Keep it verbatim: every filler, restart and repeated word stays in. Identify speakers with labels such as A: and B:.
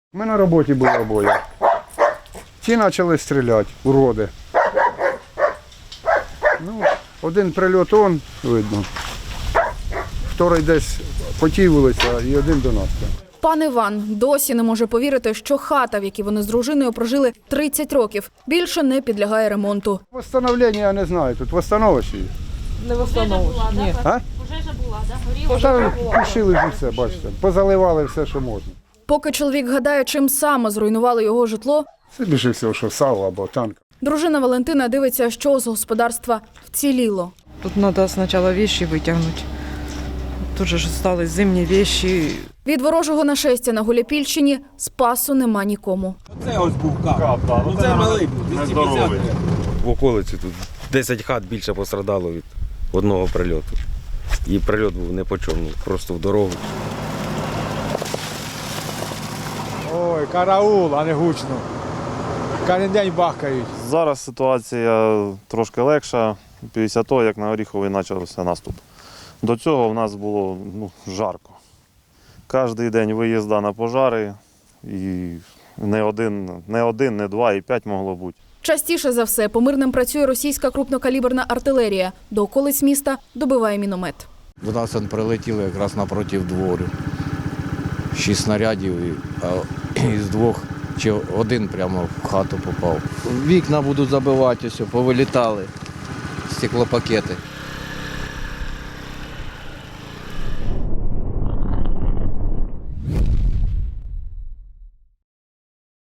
A: Ми на роботі були обоє. Ті почали стріляти, уроди. Ну, один прильот он, видно. Вторий десь по тій вулиці, і один до нас.
B: Пан Іван досі не може повірити, що хата, в якій вони з дружиною прожили тридцять років, більше не підлягає ремонту.
A: Восстановлення я не знаю, тут восстановиш її.
C: Не восстановиш. Ні.
A: А?
D: Пожежа була, да? Горіла?
A: Та пішили ж все, бачите, позаливали все, що можна.
B: Поки чоловік гадає, чим саме зруйнували його житло,
A: Це більше всього, що сало або танк.
B: дружина Валентина дивиться, що з господарства вціліло.
C: Тут треба спочатку вещи витягнути. Тут же ж залишились зимні вещи.
B: Від ворожого нашестя на Гуляйпільщині спасу нема нікому.
E: Це ось був кап. Ну це малий був, двісті п'ятдесят.
F: В околиці тут десять хат більше пострадало від одного прильоту. І прильот був не по чому, просто в дорогу.
G: Ой, караул, а не гучно. Кожен день бахкають.
H: Зараз ситуація трошки легша після того, як на Оріховий почався наступ. До цього в нас було ну, жарко. Кожен день виїзда на пожари, і не один, не один, не два, і п'ять могло бути.
B: Частіше за все по мирним працює російська крупнокаліберна артилерія. До околиць міста добиває міномет.
I: До нас он прилетіли якраз напроти двору. Шість снарядів, і, а із двох чи один прямо в хату попав. Вікна будуть забивати, ось, повилітали, стеклопакети.